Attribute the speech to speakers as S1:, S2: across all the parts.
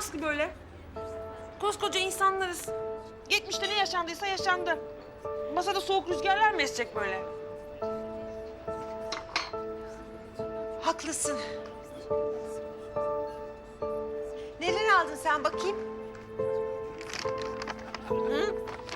S1: Aslı böyle? Koskoca insanlarız. 70'te ne yaşandıysa yaşandı. Masada soğuk rüzgarlar mı esecek böyle?
S2: Haklısın. Neler aldın sen bakayım? Hı?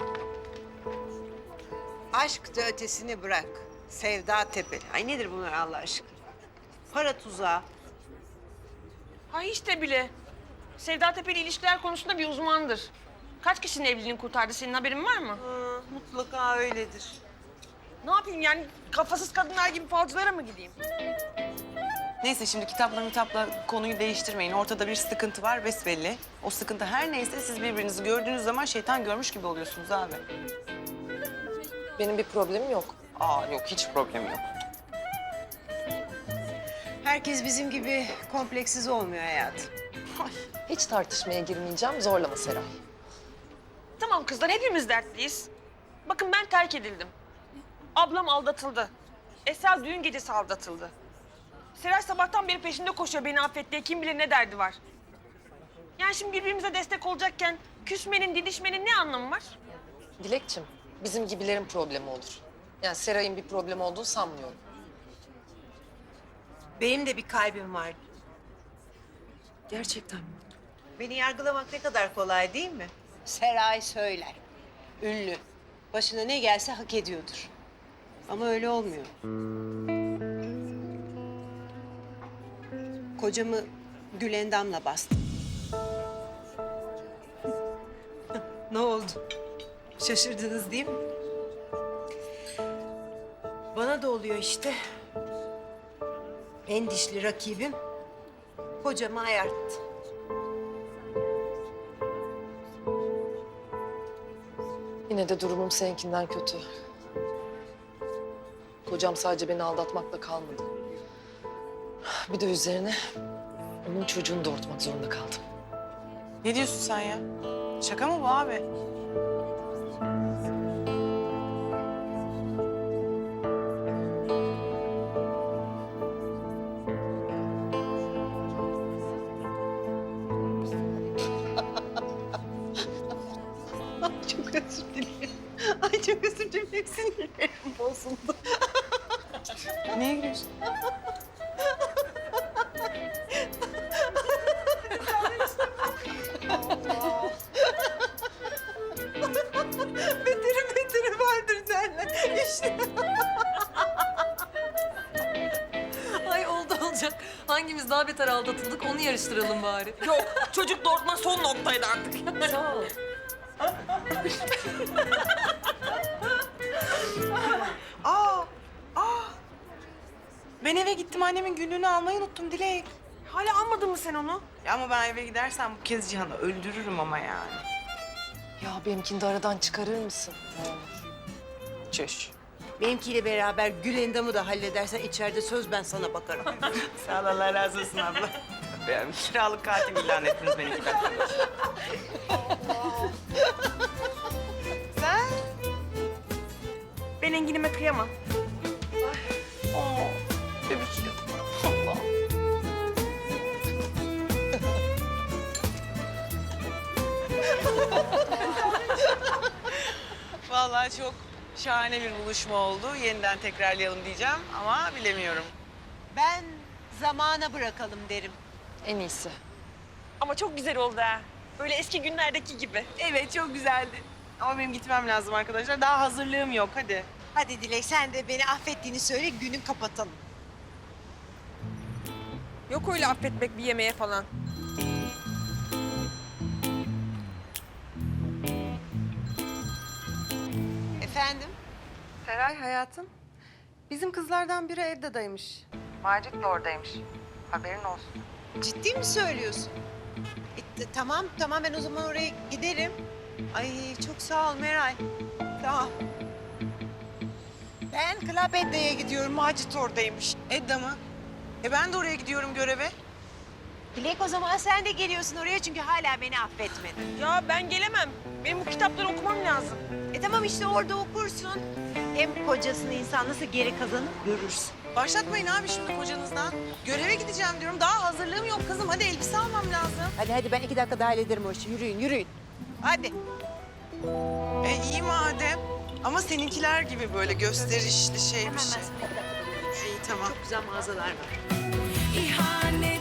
S2: Aşk da ötesini bırak. Sevda tepeli. Ay nedir bunlar Allah aşkına? Para tuzağı.
S1: Ha hiç de bile. Sevda Tepeli ilişkiler konusunda bir uzmandır. Kaç kişinin evliliğini kurtardı, senin haberin var mı?
S2: Mutlaka öyledir.
S1: Ne yapayım yani, kafasız kadınlar gibi falcılara mı gideyim?
S3: Neyse şimdi kitapla konuyu değiştirmeyin. Ortada bir sıkıntı var besbelli. O sıkıntı her neyse siz birbirinizi gördüğünüz zaman şeytan görmüş gibi oluyorsunuz abi.
S4: Benim bir problemim yok.
S3: Aa yok hiç problemi yok.
S2: Herkes bizim gibi kompleksiz olmuyor hayatım.
S4: Hiç tartışmaya girmeyeceğim. Zorlama Seray.
S1: Tamam kızlar, hepimiz dertliyiz. Bakın ben terk edildim. Ablam aldatıldı. Esra düğün gecesi aldatıldı. Seray sabahtan beri peşinde koşuyor beni affet diye, kim bilir ne derdi var. Yani şimdi birbirimize destek olacakken küsmenin, didişmenin ne anlamı var?
S4: Dilekçim, bizim gibilerin problemi olur. Yani Seray'ın bir problem olduğunu sanmıyorum.
S2: Benim de bir kalbim var.
S4: Gerçekten mi?
S2: Beni yargılamak ne kadar kolay değil mi? Seray söyler. Ünlü. Başına ne gelse hak ediyordur. Ama öyle olmuyor. Kocamı Gülendam'la bastım. Ne oldu? Şaşırdınız değil mi? Bana da oluyor işte. En dişli rakibim kocamı ayarttı.
S4: Yine de durumum seninkinden kötü. Kocam sadece beni aldatmakla kalmadı. Bir de üzerine onun çocuğunu doğurtmak zorunda kaldım.
S3: Ne diyorsun sen ya? Şaka mı bu abi?
S2: Çok özür dilerim. Ay çok özür dilerim. Sinirlerim bozuldu.
S3: Neye gülüyorsun?
S2: Beteri vardır derler. İşte.
S5: Ay oldu olacak. Hangimiz daha beter aldatıldık onu yarıştıralım bari.
S1: Yok, çocuk doğurtma son noktaydı artık.
S5: Sağ ol.
S3: Ben eve gittim annemin günlüğünü almayı unuttum Dilek.
S1: Hala almadın mı sen onu?
S3: Ya ama ben eve gidersem bu kez Cihan'ı öldürürüm ama yani.
S4: Ya benimkini de aradan çıkarır mısın?
S3: Çüş.
S2: Benimkiyle beraber Gülendam'ı da halledersen içeride söz ben sana bakarım.
S3: Sağ ol Allah razı olsun abla. Ben kiralık katil ilan ettiniz beni 2 dakika. Sen?
S1: Ben Engin'ime kıyamam.
S3: Bebişim. Vallahi çok şahane bir buluşma oldu. Yeniden tekrarlayalım diyeceğim ama bilemiyorum.
S2: Ben zamana bırakalım derim.
S4: En iyisi.
S1: Ama çok güzel oldu ha. Böyle eski günlerdeki gibi.
S3: Evet çok güzeldi. Ama benim gitmem lazım arkadaşlar. Daha hazırlığım yok hadi.
S2: Hadi Dilek sen de beni affettiğini söyle günü kapatalım.
S1: Yok öyle affetmek bir yemeğe falan.
S2: Efendim?
S6: Seray hayatım, bizim kızlardan biri evdedaymış. Macit de oradaymış. Haberin olsun.
S2: Ciddi mi söylüyorsun? Tamam ben o zaman oraya giderim. Ay çok sağ ol Meral. Sağ ol. Ben Club Edda'ya gidiyorum. Macit oradaymış.
S3: Edda mı? Ben de oraya gidiyorum göreve.
S2: Dilek o zaman sen de geliyorsun oraya çünkü hala beni affetmedin.
S1: Ya ben gelemem. Benim bu kitapları okumam lazım.
S2: Tamam işte orada okursun. Hem kocasını insan nasıl geri kazanıp görürsün.
S3: Başlatmayın abi şimdi kocanızdan. Göreve gideceğim diyorum. Daha hazırlığım yok kızım. Hadi elbise almam lazım.
S2: Hadi ben 2 dakikada hallederim o işi. Yürüyün.
S3: Hadi. İyi madem. Ama seninkiler gibi böyle gösterişli şey bir şey. İyi tamam.
S2: Güzel mağazalar var.
S7: İhanet